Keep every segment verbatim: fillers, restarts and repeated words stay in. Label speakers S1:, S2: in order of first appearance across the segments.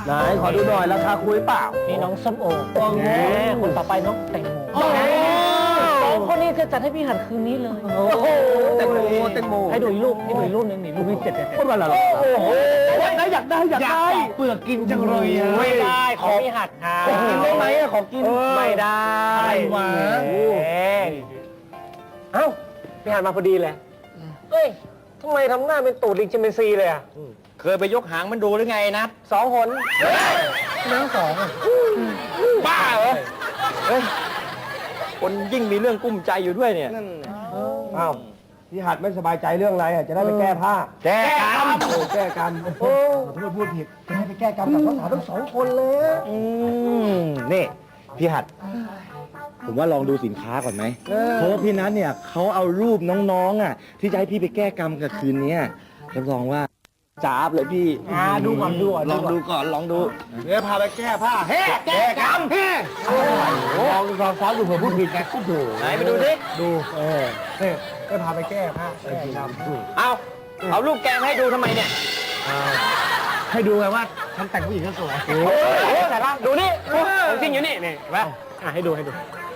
S1: ไหนขอดูหน่อยราคาคุยเปล่า
S2: นี่น้องส้มโอ
S1: แหม
S2: คนต่อไปน้องแตงโมสองคนนี้จะจัดให้พี่หัดคืนนี้เลย
S1: โอ้โหแตงโมแตงโม
S2: ให้ดูอีกรูปให้ดูอีกรูปหนึ่งนี่รูปที่เจ็ดเจ็ด
S1: พูดมาแล้วโอ้โหอยากได้อยากได้อยากได้
S3: เปลือกกินจังเลยอ่ะ
S2: ไม่ได้ของพี่หัดค่ะ
S1: ของกินได้ไหมอะของกิน
S2: ไม่ได้
S3: อะไรวะ
S2: เอ้าพี่หัดมาพอดีเลยเฮ้ยทำไมทำหน้าเป็นตูดลิงชิมเปนซีเลยอ่ะ
S3: เคยไปยกหางมันดูหรือไงนะ
S2: สองคน
S3: น้องสองบ้าเหรอเฮ้ยคนยิ่งมีเรื่องกุ้มใจอยู่ด้วยเนี่ย
S1: อ้าวพี่หัดไม่สบายใจเรื่องอะไรอะจะได้ไปแก้ผ้า
S3: แก้กรรม
S1: โอ้แก้กรรมโอ้ไม่พูดผิดจะได้ไปแก้กรรมกับสาวๆทั้งสองคนเลย
S3: อืมนี่พี่หัด ผมว่าลองดูสินค้าก่อนไหมเพราะว่าพี่นัทเนี่ยเขาเอารูปน้องๆอ่ะที่จะให้พี่ไปแก้กรรมกับคืนนี้รับรองว่าจ้าบเลยพี่
S1: อ่าดูก่อนดูก่อน
S3: ลองดูก่อนลองดู
S1: เดี๋ยวพาไปแก้ผ้าเฮ้แก้กรรมเฮ้ลองลองซ้อมดูเผื่อพูดผิดไงดู
S3: ไหนไปดูสิ
S1: ดูเออเฮ้ก็พาไปแก้ผ้าแก้กรรม
S3: เอาเอารูปแกงให้ดูทำไมเนี่ย
S1: ให้ดูไงว่าฉันแต่งผู้หญิงก็สวย
S2: โอ้โหแต่ละดูนี่ของจริงอยู่นี่นี่เห็นไหมอ่ะให้ดูให้ดู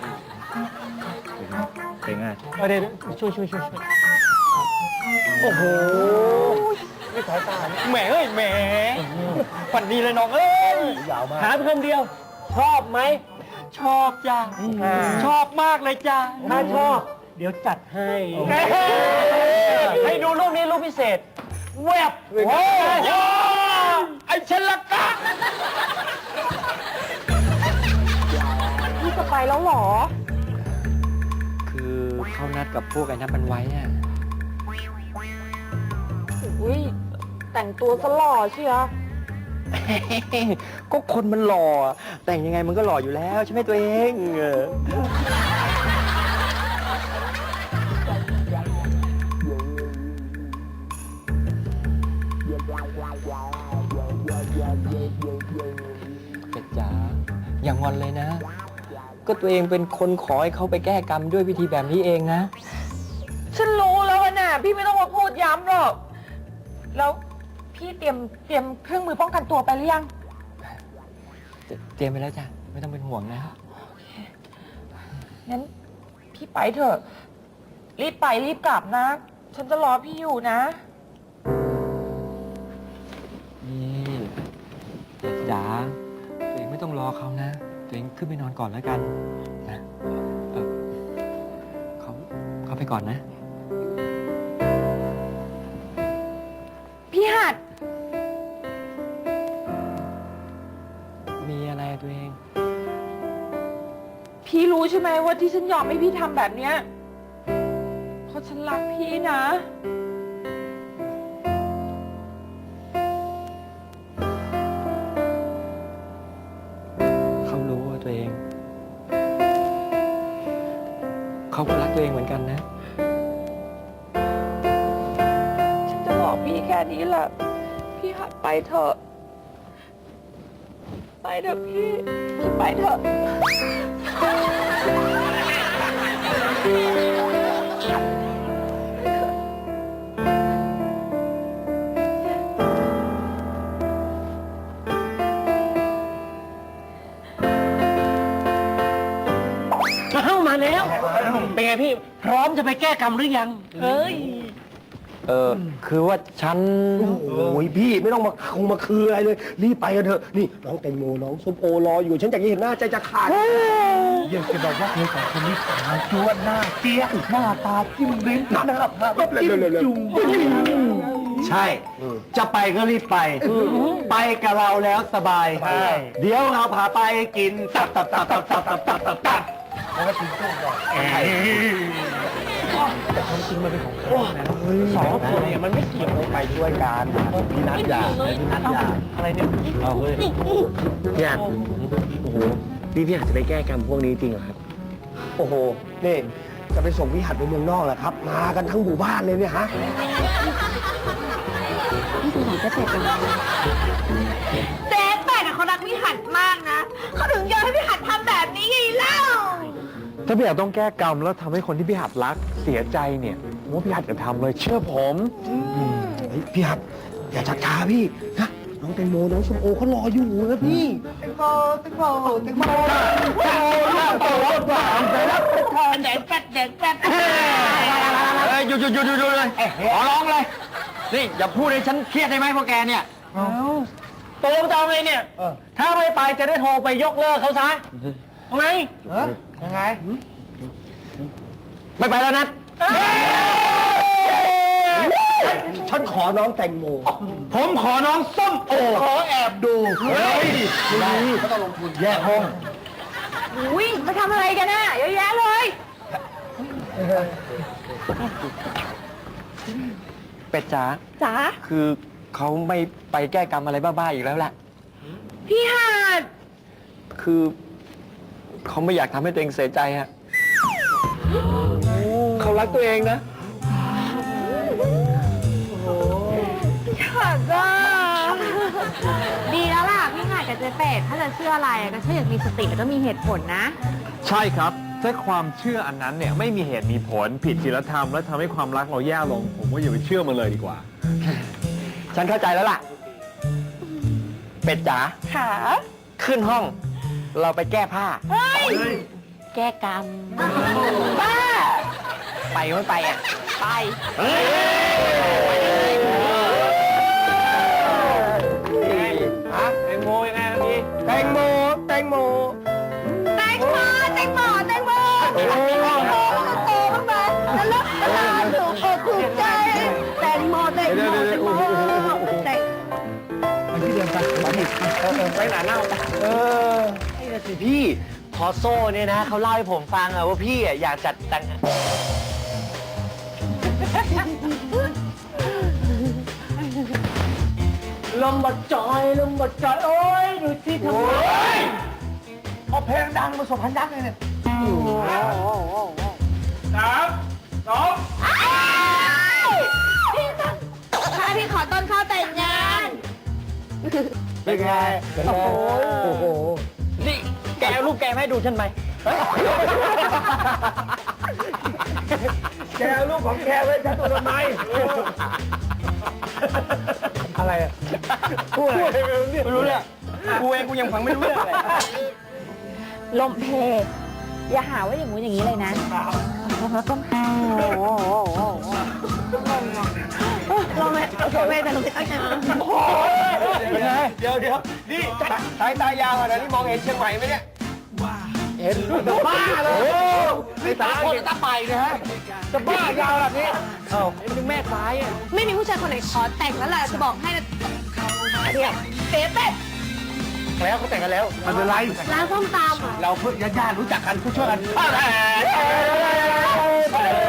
S3: เป็นไง
S2: เออเดี๋ยวช่วยช่วยช่วยช่วย
S3: โอ้โห
S1: ไม่สายตา
S3: แหมเอ้ยแหมฝันดีเลยน้องเอ้ย
S1: ยาวมาก
S2: ถามคำเดียว ชอบไหม
S3: ชอบจ้าชอบมากเลยจ้า
S2: ถ้าชอบ เดี๋ยวจัดให้ให้ดูรูปนี้รูปพิเศษแวบ
S3: โอ้โหไอ้เชนละกะ
S4: พี่จะไปแล้วเหรอ
S3: คือเขานัดกับพวกไอ้นั่นมันไว้อะ
S4: อุ้ยแต่งตัวซะหล่อเชียว
S3: ก็คนมันหล่อแต่งยังไงมันก็หล่ออยู่แล้วใช่ไหมตัวเองเออเป็ดจ๋าอย่างอนเลยนะ ก็ตัวเองเป็นคนขอให้เขาไปแก้กรรมด้วยวิธีแบบนี้เองนะ
S4: ฉันรู้แล้วอะน่ะพี่ไม่ต้องมาพูดย้ำหรอก แล้วพี่เตรียมเตรียมเครื่องมือป้องกันตัวไปหรือยัง
S3: เตรียมไปแล้วจ้ะไม่ต้องเป็นห่วงนะ
S4: งั้นพี่ไปเถอะ รีบไปรีบกลับนะ ฉันจะรอพี่อยู่นะ
S3: นี่เป็ดจ๋าตัวเองไม่ต้องรอเขานะ ตัวเองขึ้นไปนอนก่อนแล้วกันนะเออเขาเขาไปก่อนนะ
S4: พี่หัด
S3: มีอะไรอะตัวเอง
S4: พี่รู้ใช่ไหมว่าที่ฉันยอมให้พี่ทำแบบเนี้ยเพราะฉันรักพี่นะ
S3: เขารู้ว่าตัวเอง เขาก็รักตัวเองเหมือนกันนะ
S4: ฉันจะบอกพี่แค่นี้แหละ พี่หัดไปเถอะ ไปเถอะพี่ พี่ไปเถอะ
S2: เข้ามาแล้ว เป็นไงพี่ พร้อมจะไปแก้กรรมหรือยัง เอ้ย
S3: เออ คือว่าฉัน
S1: โอ้ยพี่ไม่ต้องมาคงมาคืออะไรเลย รีบไปกันเถอะ นี่น้องแตงโมน้องส้มโอรออยู่ ฉันอยากจะเห็นหน้าใจจะขาดอยากจะบอกว่าเธอสองคนนี้สาวจวนหน้าเจี๊ยบหน้าตาจิ้มลิ้มหน้าแบบจิ้มจุ่ม
S3: ใช่ จะไปก็รีบไป ไปกับเราแล้วสบาย เดี๋ยวเราพาไปกินตับตับตับตับตับตับตับตับตับ
S1: แล้วก็ทิ้งตู้ก่อน
S2: สองคนเนี่ยมันไม่เกี่ยว
S1: ไปช่วยกันพี่นัทอย่าพี่นัทอย่า
S2: อะไรเนี่ย
S3: เอาเฮ้ย
S1: พี่นัทโอ้โหนี่พี่หัดจะไปแก้กรรมพวกนี้จริงเหรอครับ โอ้โห นี่จะไปส่งพี่หัดไปเมืองนอกเหรอครับ มากันทั้งหมู่บ้านเลยเนี่ยฮะ
S4: เจ๊แปดเขารักพี่หัดมากนะ เขาถึงยอมให้พี่หัดทำแบบนี้ไงเล่า
S5: ถ้าพี่หัดต้องแก้กรรมแล้วทำให้คนที่พี่หัดรักเสียใจเนี่ยผมว่าพี่หัดจะทำเลยเชื่อผม
S1: เฮ้ยพี่หัดอย่าชักช้าพี่นะน้องแตงโมน้องส้มโอเขารออยู่นะพี่แตงโมแตงโมแตงโมแตงโมหน้าต่อรถหวานไปรับประทานแดงแป๊ดแดงแป๊ด
S3: เอ้ยหยุดหยุดหยุดหยุดหยุดเลยขอร้องเลย นี่อย่าพูดให้ฉันเครียดได้ไหมพวกแกเนี่ย
S2: ตกลงจะเอาไงเนี่ย ถ้าไม่ไปจะได้โทรไปยกเลิกเขาซะเอาไง
S1: ยังไง
S3: ไม่ไปแล้วนัด
S1: ฉันขอน้องแตงโม
S3: ผมขอน้องส้มโอ
S1: ขอแอบดูเฮ้ยได้ก็ต้องลงทุนแยกห้อง
S4: อุ้ยมาทำอะไรกันน่ะเยอะแยะเลย
S5: เป็ดจ๋า
S4: จ๋า
S5: คือเขาไม่ไปแก้กรรมอะไรบ้าๆอีกแล้วแหละ
S4: พี่หาด
S5: คือเขาไม่อยากทำให้ตัวเองเสียใจฮะเขารักตัวเองนะ
S4: พี่หาดจ้าดีแล้วล่ะพี่หาดกับเจ๊เป็ดถ้าจะเชื่ออะไรอะก็เชื่ออย่างมีสติแล้วก็มีเหตุผลนะ
S5: ใช่ครับ ถ้าความเชื่ออันนั้นเนี่ยไม่มีเหตุมีผลผิดศีลธรรมและทำให้ความรักเราแย่ลง ผมว่าอย่าไปเชื่อมันเลยดีกว่า
S3: ฉันเข้าใจแล้วล่ะ เป็ดจ๋า
S4: ค่ะ
S3: ขึ้นห้อง เราไปแก้ผ้า
S4: เฮ้ย แก้กรรม บ้า
S3: ไปไม่ไปอ่ะ
S4: ไป
S2: ฮะแตงโมยังไงเมื่อกี้
S1: แตงโมแตงโม
S4: แตงโมแตงโมแตงโมแตงโมแตงโมโตบ้างไหมแล้วเลิกตลาดถูกอกถูกใจ แตงโมแตงโมแตงโมแตง
S2: ไปหนาเน่า
S3: เออไอ้น่ะสิพี่ พอโซ่เนี่ยนะเขาเล่าให้ผมฟังอะว่าพี่อะอยากจัดแต่ง
S2: ลมบัดจอยลมบัดจอยโอ้ยดูที่ทำไม
S1: เอาเพลงดังมาส่งพันยักษ์เลยเนี่ย
S2: สามสอง
S4: ถ้าพี่ขอต้นข้าวแต่งงาน
S1: เป็นไงเป็นไงโอ้โห
S2: นี่แกเอารูปแกมาให้ดูฉันไหม
S1: แกเอาลูกของแกไว้ฉันตัวทำไมอะไรอ่ะพูดอะไรไม่รู้เรื่อง
S3: กูเองกูยังฟังไม่รู้เรื่องเลย
S4: ลมเพอย่าหาว่าอย่างงู้นอย่างนี้เลยนะต้นข้าวลมเพโอเคแต่ลมเพตั้งใจ
S1: เป็นไงเดี๋ยวเดี๋ยวนี่สายตายาวขนาดนี้มองเห็นเชียงใหม่ไหมเนี่ยเห็นจะบ้าเลยนี่ตาคนตาไปนะฮะจะบ้ายาวแบบนี้เอ้า
S2: เป็นแม่ซ้ายอ่ะ
S4: ไม่มีผู้ชายคนไหนขอแต่งแล้วแหละจะบอกให้นะเนี่ยเป๊ะเป๊ะ
S1: แล้วเขาแต่งกันแล้วไม่เป็นไร
S4: ร้านส้มตำ
S1: เราเพื่อนญาติๆรู้จักกันผู้ช่วยกัน